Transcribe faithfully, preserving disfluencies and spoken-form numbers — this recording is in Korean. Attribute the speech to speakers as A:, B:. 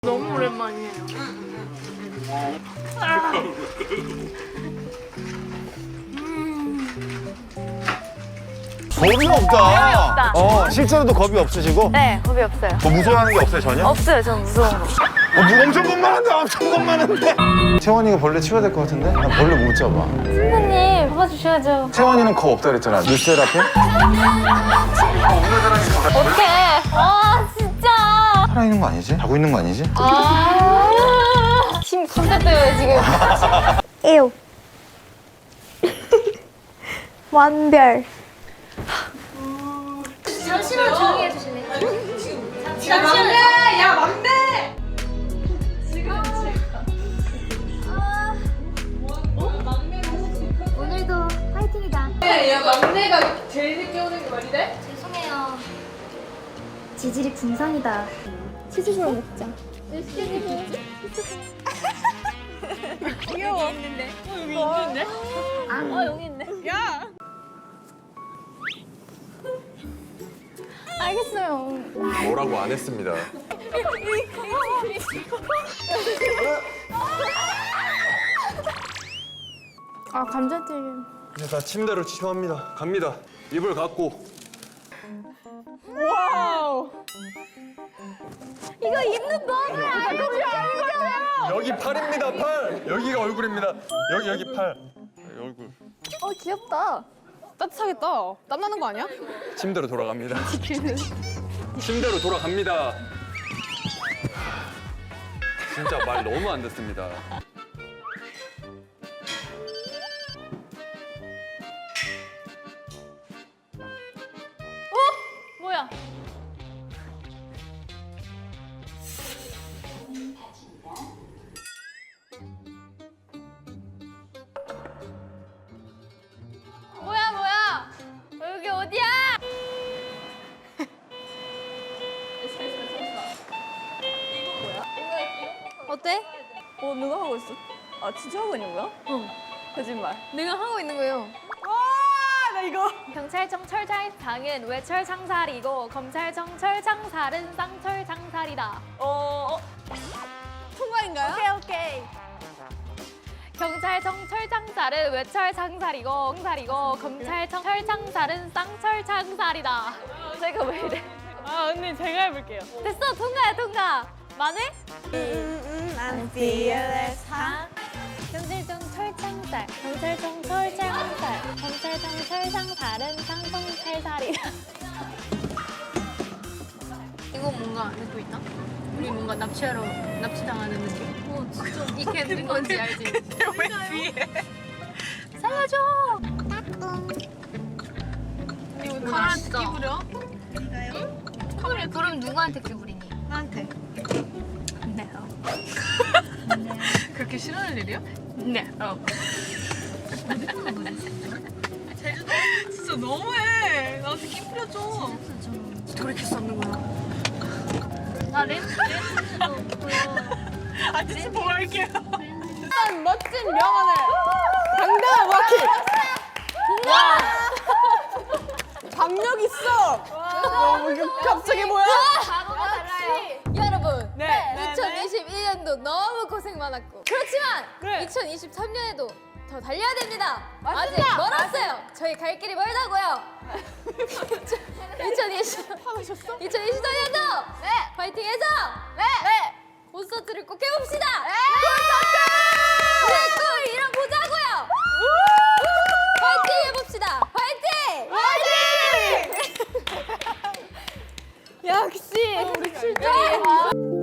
A: 너무 오랜만이에요. 아.
B: 겁이 없다. 어, 실제로도 겁이 없으시고?
A: 네, 겁이 없어요.
B: 뭐 무서워하는 게 없어요, 전혀?
A: 없어요, 전 무서운 거.
B: 어, 뭐 엄청 겁많은데, 엄청 겁많은데. 채원이가 벌레 치워야 될 것 같은데? 나 벌레 못 잡아.
A: 선생님, 잡아주셔야죠.
B: 채원이는 겁 없다 그랬잖아. 뉴스테라피?
A: 어떡해. 아, 진짜.
B: 살아있는 거 아니지? 자고 있는 거 아니지?
A: 아. 힘 진짜 때문에 지금. 에요. 완별.
C: 잠시만 조용히 해주실래요?
D: 야 막내! 야 막내!
C: 오늘도 파이팅이다.
D: 야 막내가 제일 늦게 오는 게 말이래?
C: 죄송해요. 지질이 궁상이다. 치즈볼 먹자.
A: 귀여워. 여기 있는데. 어, 여기 있는데? 아, 여기 있네. 야!
C: 알겠어요.
E: 뭐라고 안 했습니다.
A: 아, 감자튀김.
E: 이제 다 침대로 취합니다. 갑니다. 이불 갖고.
A: 와우. 이거 입는 너무 알고 싶어요.
E: 여기 팔입니다, 팔. 여기가 얼굴입니다. 여기 여기 팔. 여기 얼굴.
A: 어, 귀엽다. 따뜻하겠다. 땀나는 거 아니야?
E: 침대로 돌아갑니다. 침대로 돌아갑니다. 진짜 말 너무 안 듣습니다.
A: 뭐야? 뭐야 뭐야? 여기 어디야? 어때?
F: 어, 누가 하고 있어? 아, 진짜 하고 있는 거야?
A: 응.
F: 거짓말.
A: 내가 하고 있는 거예요.
F: 와, 나 이거.
A: 경찰청 철장상은 외철 창살이고 검찰청 철창살은 쌍철 창살이다.
F: 어, 어. 통과인가요?
A: 오케이 오케이. 경찰청 철창살은 외철 창살이고 창살이고 검찰청 철창살은 쌍철 창살이다. 제가 왜 이래? 아 언니 제가 해볼게요. 됐어 통과야 통과. 마늘?
F: I'm fearless. 하?
A: 경찰청 철창살, 경찰청 철창살, 검찰청 철창살은 쌍성 살살이다. 이거 뭔가 듣고 있나? 우리 뭔가 납치하러 납치당하는 느낌? 어 진짜 이게 무슨 건지 알지?
F: 근데 왜 뒤에?
A: 살려줘! 이거
F: 카메라한테 끼부려?
A: 응? 그래 그럼 누구한테 끼부리니?
F: 나한테.
A: 네. 어.
F: 그렇게 싫어할 일이야?
A: 네. 어.
F: 제주도? 진짜 너무해. 나한테 끼부려줘.
A: 돌이킬 수 없는 거야. 나 렌즈 렌즈도 보여.
F: 아, 진짜 보고 할게요.
A: 일단 멋진 명언을 당당한 와키.
F: 박력 있어. 너무 갑자기 뭐야?
A: 바로가 달라요. 여러분,
F: 네.
A: 이천이십일 년도 너무 고생 많았고 그렇지만
F: 그래.
A: 이천이십삼 년에도 더 달려야 됩니다.
F: 맞습니다.
A: 아직 멀었어요. 저희 갈 길이 멀다고요. 이천이십 이천이십삼 년도 네. 파이팅해서 네. 네. 콘서트를 꼭 해봅시다. 네. 콘서트! 우리 꿈을 이뤄보자고요. 파이팅 해봅시다. 파이팅!
F: 파이팅!
A: 역시 우리 출전이